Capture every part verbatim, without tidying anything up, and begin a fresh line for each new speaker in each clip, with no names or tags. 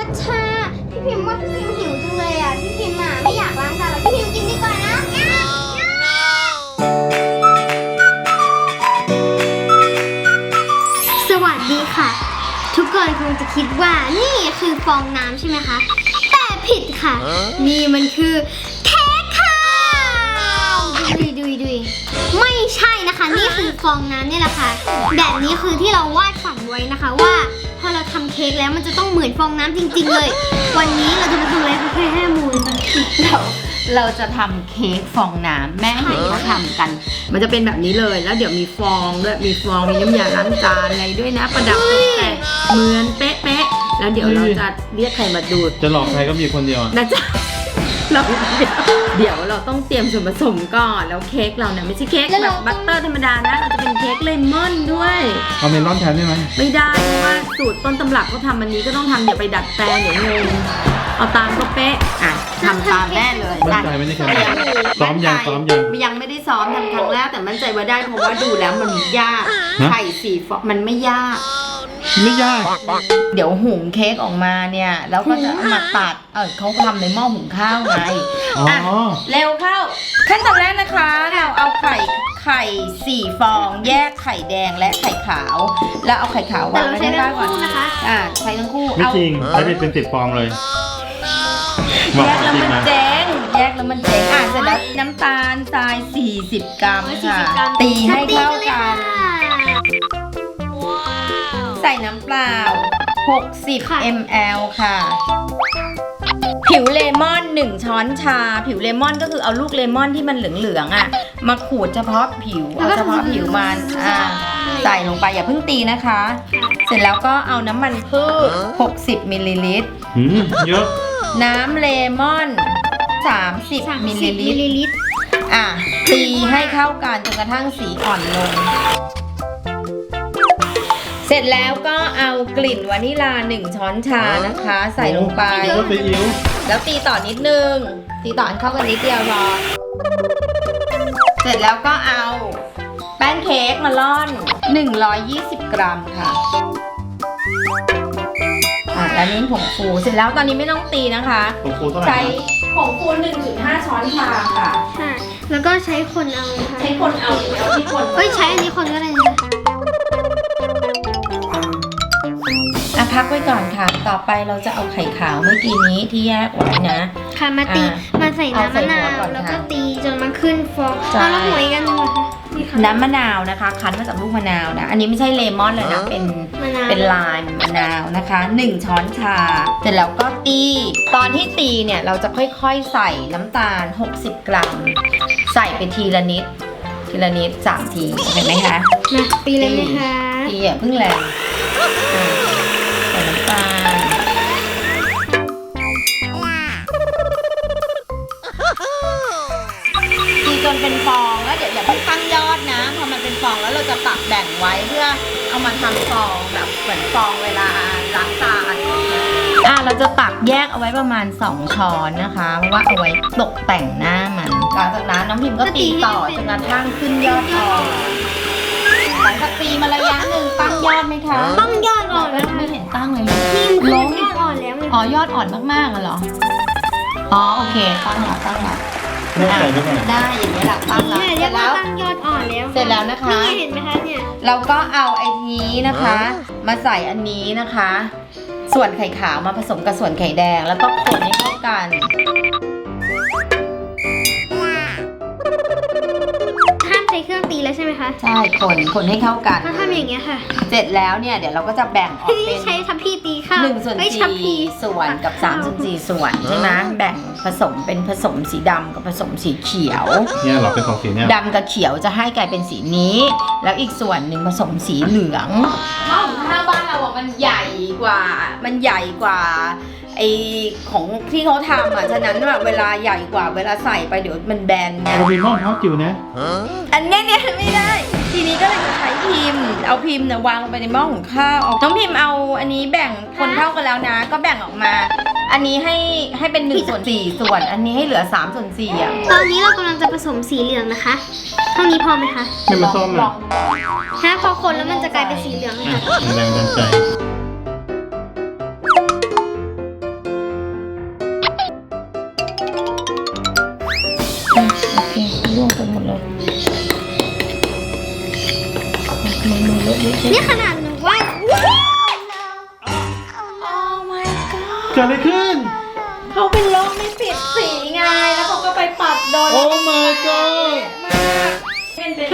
ชาพี่พิมพ์ว่าพี่พิมพ์หิวจังเลยอ่ะพี่พิมพ์อ่ะไม่อยากล้างจานแล้วพี่พิมพ์กินดีกว่านะสวัสดีค่ะทุกคนคงจะคิดว่านี่คือฟองน้ำใช่ไหมคะแต่ผิดค่ะนี่มันคือเค้กค่ะดุยดุยดุยไม่ใช่นะคะนี่คือฟองน้ำนี่แหละค่ะแบบนี้คือที่เราวาดฝันไว้นะคะว่าพอเราทำเค้กแล้วมันจะต้องเหมือนฟองน้ำจริงๆเลยวันนี้เราจะมาทำอะไรคะเพื่อให้มูล
เราเราจะทำเค้กฟองน้ำแม่เห็นเขาทำกันมันจะเป็นแบบนี้เลยแล้วเดี๋ยวมีฟองด้วยมีฟองมีน้ำยาล้างจานอะไรด้วยนะประดับตกแต่งเหมือนเป๊ะๆแล้วเดี๋ยวเราจะเรียกใครมาดู
จะหลอกใครก็มีคนเดียว
นะจ๊ะเราเดี๋ยวเราต้องเตรียมส่วนผสมก่อนแล้วเค้กเราเนี่ยไม่ใช่เค้กแบบบัตเตอร์ธรรมดานะเราจะเป็นเค้กเลมอนด้วย
เอาเมลอนแทนได้ไหม
ไม่ได้เพราะว่าสูตรต้นตำรับเขาทำอันนี้ก็ต้องทำอย่าไปดัดแปลงเดี๋ยวงงเอาตามก็เป๊ะอ่ะทำตามแม่เลย
มั่นใจไม่ได้แค่ซ้อมยังซ้อมยัง
ยังไม่ได้ซ้อมทำครั้งแรกแต่มั่นใจว่าได้เพราะว่าดูแล้วมันยากไข่สี่ฟองมันไม่ยาก
ไม่ยาก
เดี๋ยวหุงเค้กออกมาเนี่ยแล้วก็จะเอามาตัดเออเขาทำในหม้อหุงข้าวไงอ่ะเร็วเข้าขั้นตอนแรกนะคะเราเอาไข่ไข่สี่ฟองแยกไข่แดงและไข่ขาวแล้วเอาไข่ขาววางไว้ด้านล่างก่อนนะคะอ่าใช้ทั้งคู่
ไม่จริงใช้เป็นสิบฟองเลย
แยกแล้วมันเจ๊งแยกแล้วมันเจ๊งอ่ะเสร็จแล้วน้ำตาลทรายสี่สิบกรัมค่ะตีให้เข้ากันใส่น้ำเปล่าหกสิบมิลลิลิตร ค่ะผิวเลมอนหนึ่งช้อนชาผิวเลมอนก็คือเอาลูกเลมอนที่มันเหลืองๆอ่ะมาขูดเฉพาะผิวเอาเฉพาะผิวมันอ่าใส่ลงไปอย่าเพิ่งตีนะคะเสร็จแล้วก็เอาน้ำมันพืชหกสิบมิลลิลิตร
เยอะ
น้ำเลมอนสามสิบมิลลิลิตรอ่ะตีให้เข้ากันจนกระทั่งสีอ่อนลงเสร็จแล้วก็เอากลิ่นวานิลาหนึ่งช้อนชานะคะใส่ลงไปแล้วตีต่อนิดนึงตีต่อให้เข้ากันนิดเดียวพอเสร็จแล้วก็เอาแป้งเค้กมาร่อนหนึ่งร้อยยี่สิบกรัมค่ะอ่ะแล้วนี้ผงฟูเสร็จแล้วตอนนี้ไม่ต้องตีนะคะใช้ผงฟู หนึ่งจุดห้า ช้อนชาค่ะ
ค่ะแล้วก็ใช้คนเอาค่ะ
ใช้คนเอาเอาที่คน
เอ้ยใช้อันนี้คนก็ได้นะ
อ่ะพักไว้ก่อนค่ะต่อไปเราจะเอาไข่ขาวเมื่อกี้นี้ที่แยกไว้นะ
ค่ะมาตีมาใส่น้ำมะนาวแล้วก็ตีจนมันขึ้นฟองเอาแล้วหัวอีกอันนึงค่ะ
น้ำมะนาวนะคะคั้นมาจากลูกมะนาวนะอันนี้ไม่ใช่เลมอนเลยนะเป็นเป็นลายมะนาวนะคะหนึ่งช้อนชาเสร็จแล้วก็ตีตอนที่ตีเนี่ยเราจะค่อยๆใส่น้ำตาลหกสิบกรัมใส่ไปทีละนิดทีละนิดสามทีเห็นไหมคะ
มาตีเลยไหมคะ
ตีอย่าเพิ่งแรงใส่น้ำตาลตีจนเป็นฟองแล้วเดี๋ยวอย่าเพิ่งตั้งยอดนะพอมันเป็นฟองแล้วเราจะตักแบ่งไว้เพื่อเอามาทำฟองแบบเหมือนฟองเวลาล้างจานอ่ะเราจะตักแยกเอาไว้ประมาณสองช้อนนะคะเพราะว่าเอาไว้ตกแต่งหน้ามันหลังจากนั้นน้องพิมก็ตีต่อจนกระทั่งขึ้นยอดฟองหลังจากตีมาระยะหนึ่งตั้งยอดไหมคะ
ตั้งยอดอ่อนแล้ว
ไม่เห็นตั้งเลย
ล้มยอดอ่อนแล้ว
อ๋อยอดอ่อนมากๆเหรออ๋อโอเคตั้งแล้วตั้งแล้วได้อย่างนี้แหละตั้งแล้ว
เสร็จแล้วตั้งยอดอ่อนแล้ว
เสร็จแล้วนะคะ
เห็นไหมคะเนี่ย
เราก็เอาไอ้นี้นะคะมาใส่อันนี้นะคะส่วนไข่ขาวมาผสมกับส่วนไข่แดงแล้วก็คนให้เข้ากัน
ห้ามใช้เครื่องตีแล้วใช่ไหมคะ
ใช่คนคนให้เข้ากัน
ถ้าทำอย่างเงี้ยค่ะ
เสร็จแล้วเนี่ยเดี๋ยวเราก็จะแบ่งออกเป็น
ใช้ทัพพีตีข้าว
หนึ่งส่วนสี่ส่วนกับสามส่วนสี่ส่วนใช่ไหมแบ่งผสมเป็นผสมสีดำกับผสมสีเขียว
เนี่ยเราเป็นสองสีเนี่ย
ดำกับเขียวจะให้กลายเป็นสีนี้แล้วอีกส่วนหนึ่งผสมสีเหลืองหม้อหุงข้าวบ้านเราบอกมันใหญ่กว่ามันใหญ่กว่าไอของที่เขาทำอ่ะฉะนั้นแบบเวลาใหญ่กว่าเวลาใส่ไปเดี๋ยวมันแบนไง
เรามีหม้อเท้าจิ๋วนะ
อันนี้เนี่ยไม่ได้ทีนี้ก็เลยจะใช้พิมพ์เอาพิมพ์เนี่ยวางไปในหม้อหุงข้าวน้องพิมพ์เอาอันนี้แบ่งคนเท่ากันแล้วนะก็แบ่งออกมาอันนี้ให้ให้เป็นหนึ่งส่วนสี่ส่วนอันนี้ให้เหลือสามส่วนสี่อ่ะ
ตอนนี้เรากำลังจะผสมสีเหลืองนะคะเท่านี้พอไหมคะ
ไม่มาส้ม
ลอง
ถ้าพอคนแล้วมันจะกลายเป็นสีเหลืองค่ะ
แรงดันใจ
นี่ขนาดหนูว่า
โอ้ my god
เกิดอะไรขึ้น
เขาเป็นโรคไม่ปิดสีไง แล้วเขาก็ไปปัดโดน
โอ้ my god
เป็นเป็น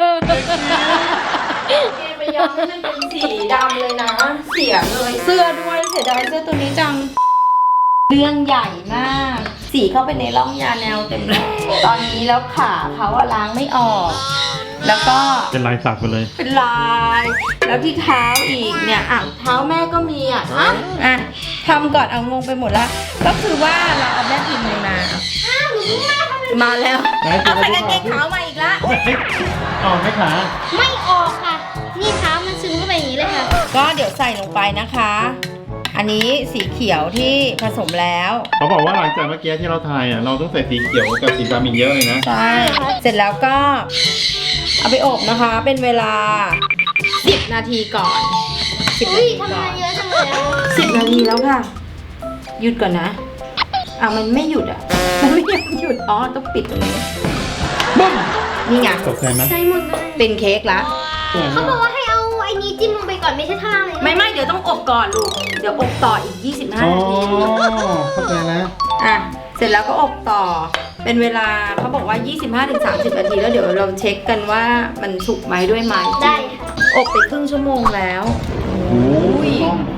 เกไปย้อมให้มันเป็นสีดำเลยนะ เสียเลยเสื้อด้วยเสียดายเสื้อตัวนี้จัง เรื่องใหญ่มาก สีเข้าไปในร่องยาแนวเต็มเลยตอนนี้แล้วขาเขาอะล้างไม่ออก แล้วก็
เป็นลายสักไปเลย
เป็นลาย แล้วที่เท้าอีกเนี่ยอ่ะเท้าแม่ก็มีอ่ะอ่ะอ่ะทำก่อนเอางงไปหมดแล้ว ก็คือว่าเราเอาแม่พิมพ์เลยมา มาแล้ว
ไหน
เอาใส่กางเกงขาวมาอีกละ
โอ้ยอ๋อไม่ขา
ไม่ออกค่ะ นี่เท้ามันซึมเข้าไปอย่างนี้เลยค่ะ
ก็เดี๋ยวใส่ลงไปนะคะ อันนี้สีเขียวที่ผสมแล้ว
เขาบอกว่าหลังจากเมื่อกี้ที่เราทายอ่ะเราต้องใส่สีเขียวกับสีดำอีกเยอะเลยนะ
ใช่ เสร็จแล้วก็เอาไปอบนะคะ เป็นเวลาสิบนาทีก่อนสิบ
อุ้
นาย ที
ทำ
ก่
งา
อน
นเยอะจังเลยอะ
สิบนาทีแล้วค่ะ หยุดก่อนนะอ่ะมันไม่หยุดอ่ะ มันไม่ยอมหยุด อ๋อ ต้องปิดตรงนี้บึ้มนี่ไง
ตกใจไหม
ใช่หมดเลย
เป็นเค้กละ
เขาบอกว่าให้เอาไอ้นี้จิ้มลงไปก่อนไม่ใช่ท่าเลยนะ
ไม่ไม่เดี๋ยวต้องอบก่อนลูก เดี๋ยวอบต่ออีก ยี่สิบห้า
อ๋อ
นาที
เข้าใจแล้ว
อ่ะ เสร็จแล้วก็อบต่อ เป็นเวลาเขาบอกว่า ยี่สิบห้าถึงสามสิบ นาที แล้วเดี๋ยวเราเช็คกันว่ามันสุกไหมด้วยไม้จิ้ม
ได้ค่ะ
อบไปครึ่งชั่วโมงแล้ว
โอ้ย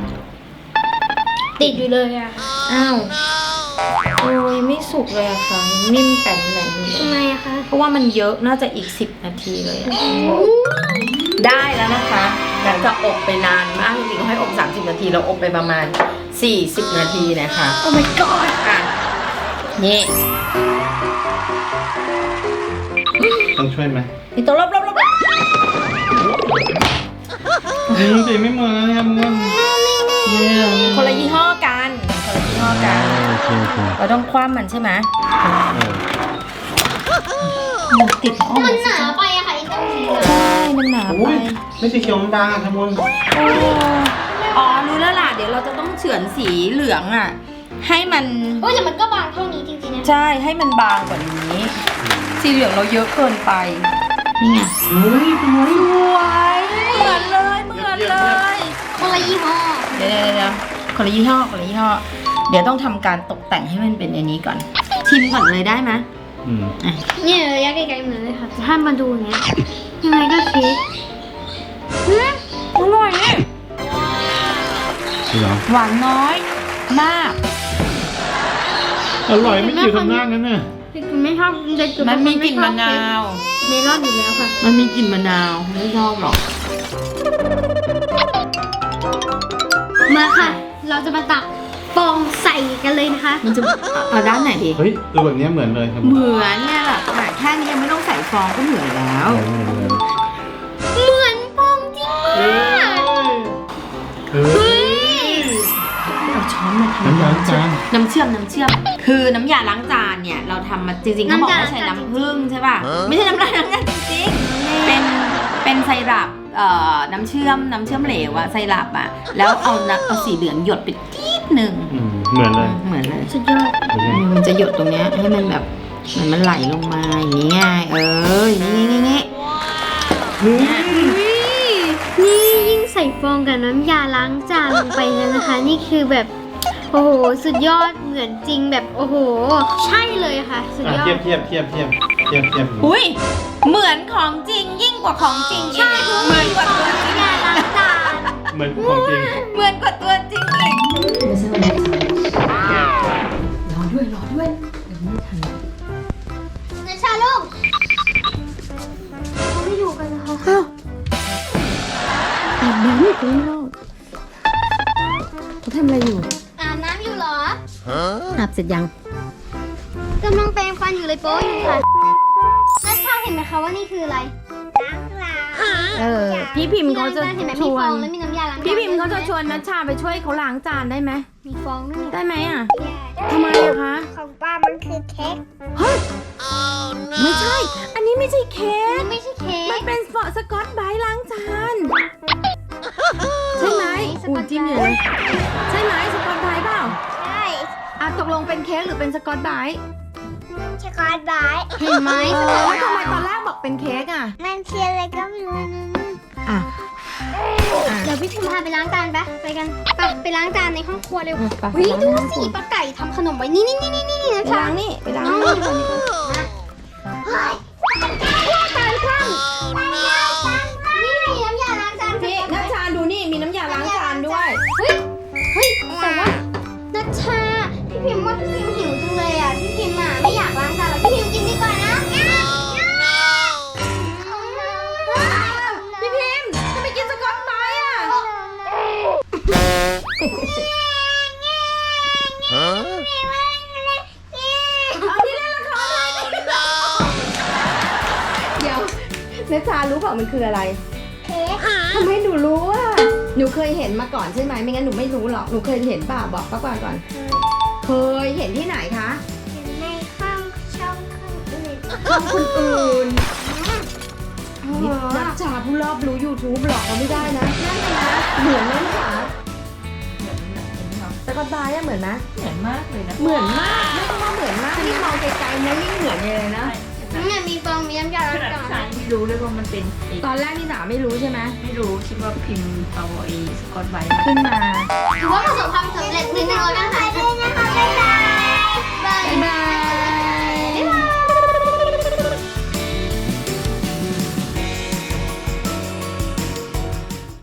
ติดอยู่เลยอะ
อ้าวโอ้ยไม่สุกเลยอะค่ะ นิ่มแป้นแหลม
ทำไมอะคะ
เพราะว่ามันเยอะน่าจะอีก สิบ นาทีเลยอะได้แล้วนะคะแต่จะอบไปนานมากจริงๆให้อบ สามสิบ นาทีเราอบไปประมาณ สี่สิบ นาทีนะคะ
โอ้ my god
อ่ะ นี่
ต้องช่วยไหม
นี่ตัวลบลบลบ
อืมสีไม่เหมือนนะครับเพื่อนเนี่ย
คนละยี่ห้อกันคนละยี่ห้อกัน
โอเคโอเค
เราต้องคว่ำมันใช่ไหม
เออ
มันติดห้อง
มันหนาไปอะค่ะไอ้ตรงนี้อะ
ใช่มันหนาไป
อุ้ยไม่สีเขียวมันบางอ่ะครับคุณ
โอ้อ๋อรู้แล้วล่ะ เดี๋ยวเราจะต้องเฉือนสีเหลืองอ่ะ ให้มัน
โอ้ยแต่มันก็บางเท่านี้จริงๆนะ
ใช่ ให้มันบางกว่านี้ สีเหลืองเราเยอะเกินไป นี่ไง
เฮ้ยเป็นไง
สวยเหมือนเลย เหมือนเลย
คนละยี่ห้อ
เดี๋ยวเดี๋ยวเดี๋ยวคนละยี่ห้อคนละยี่ห้อ เดี๋ยวต้องทำการตกแต่งให้มันเป็นอันนี้ก่อน ชิมก่อนเลยได้ไหม
อืม
อ่ะ
เนี่ยระยะไกลๆเหมือนเลยค่ะแต่ถ้ามาดูอย่างเงี้ยยังไงก็คิดอืม
อร่อยนี่
จริงเหรอ
หวานน้อยมาก
อร่อยไม่จิ๋วทำหน้างั้นน่ะ
คือไม่ชอบเด็ก
มันมีกลิ่นมะนาว
เมลอนอยู่แล้วค่ะ
มันมีกลิ่นมะนาว ไม่ชอบหรอก
มาค่ะ เราจะมาตักฟองใส่กันเลยนะคะ
มันจะเอาด้านไหนดี
เฮ้ยตัวแบบเนี้ยเหมือนเลยครับ
เหมือนเนี่ยแหละค่ะแค่นี้ยังไม่ต้องใส่ฟองก็เหมือนแล้ว
เหมือนเลย
เหมือนฟองจริง
เฮ้
มาก
ยเฮ้ย
เอาช้อนมาทำ
น้ำยาล้างจาน
น้ำเชื่อมน้ำเชื่อม คือน้ำยาล้างจานเนี่ยเราทำมาจริงๆเขาบอกว่าใช้น้ำผึ้งใช่ป่ะ ไม่ใช่น้ำล้างจานจริงๆ เป็นเป็นไซรัปเอ่อน้ำเชื่อมน้ำเชื่อมเหลวอะไซรัปอะแล้วเอาน้ำเอาสีเหลืองหยดไปทีดหนึ่ง
อืมเหมือนเลย
เหมือนเลย
สุดยอด
เป็นไง
มันจะหยดตรงเนี้ยให้มันแบบเหมือนมันไหลลงมาอย่างนี้ไงเอออย่างนี้นี่นี่
เฮ้ย
นี่ยิ่งใส่ฟองกับน้ำยาล้างจานลงไปแล้วนะคะ นี่คือแบบโอ้โหสุดยอดเหมือนจริงแบบโอ้โห ใช่เลยค่ะ สุด
อ่ะ
ยอ
เทีย
ด
บเทียบเทียบเทียบเทียบเทียบ
อุ้ยเหมือนของจริงยิ่งกว่าของจริงอีก
ใช่เพราะ
เหมื
มั
อน
น
กว่า
ฟอง
ตัวจริง
น้ำยาล้างจาน
เหมือนของจริง
เหมือนกว่าตัวจริงอีกไม่ใช่วันนี้รอด้วยรอด้วยเดี๋ยวไม่ทัน
นะชาลูกเขาไม่อยู่กันนะคะ
อาบน้ำอยู่ข้างนอกเขาทำอะไรอยู่
อาบน้ำอยู่เหรอ
อาบเสร็จยัง
กำลังแปรงฟันอยู่เลยโป๊อยู่ค่ะนัชชาเห็นไหมคะว่านี่คืออะไรล้างจาน
เออพี่พิมพ์เขาจะ
เห็นไหม
ช
มี
ว
ฟอน งแล้วมีน้ำยาล้างจาน
พี่พิมพ์เขาจะชวนนัชชาไปช่วยเขาล้างจานได้ไหม
มีฟองด้วย
ได้ไหมอ่ะทำไมอะคะ
ของป้ามันคือเค้ก
เฮ้ยไม่ใช่ อันนี้ไม่ใช่เค้ก
ไม่ใช่เค้
มัน
ก
เป็นฟอสกอตไบรท์ล้างจานใช่ไหม
สกอตไบรท์
จิ้มอยู่เลยใช่ไหมสกอตไบรท์เปล่า
ใช่
อ่ะตกลงเป็นเค้กหรือเป็นสกอตไบรท์
ช็อกโกแลตไบรท์
เห็นไหม
เออแล้วทำไมตอนแรกบอกเป็นเค้กอ่ะ
มันคืออะไรก็ไม่รู้นะ
อ่ะอ่ะ
เดี๋ยวพี่พิมพาไปล้างจานปะไปกันไปไปล้างจานในห้องครัวเร็ว
อืมไป
วิ
ล้าง
ดู
ในห้องครั
สิ
ว
ป้าไก่ทำขนมไว้นี่นี่นี่นี่นี่นะ
ไป
คะ
ล้างนี่ไปล้าง
น้อง
นี่
นี่
ก่อนดีกว่า
เฮ้ยการคว่ำนี่ไงน้ำยาล้างจาน
พี่นัชชาดูนี่มีน้ำยาล้างจานด้วย
เฮ้ยเฮ้ยแต่ว่านัชชาพี่พิมว่าพี่พิมหิวจังเลยอ่ะพี่พิมอ่ะไม่อยากล้างจานแล้วพี่พิมกินดีกว่านะ
พี่พิมพ์จะไปกินสกอตไบรท์อ่ะ เอาที่เล่นละครเลยเดี๋ยวนัชชารู้เปล่ามันคืออะไร
เค้ก
ทำไมหนูรู้อ่ะหนูเคยเห็นมาก่อนใช่ไหมไม่งั้นหนูไม่รู้หรอกหนูเคยเห็นเปล่าบอกป้าก่อนก่อนเคยเห็นที่ไหนคะ
อยู่ในห้องช่องเครื่องอื่น
ช่องคนอื่นนี่นัชชาผู้รอบรู้ YouTube หรอกเราไม่ได้นะนั่นนะเหมือนไหมคะสกอตไบรท์อะเหมือนไหม
เหมือนมากเลยนะ
เหมือนมากไม่ต้องว่าเหมือนมากที่มองไกลๆนะยิ่งเหมือนเลยนะ
เนี่ยมีฟองมีน้ำยาล้าง
ขนาด
จาน
ฉันไม่รู้เลยว่ามันเป็นไอ้
ตอนแรกนี่สาไม่รู้ใช่ไหม
ไม่รู้คิดว่าพิมพ์เอาไอ้สกอตไบรท์
ขึ้นมา
ถือว่าประสบความสำเร็จนิดนึงแล้วกันค่ะ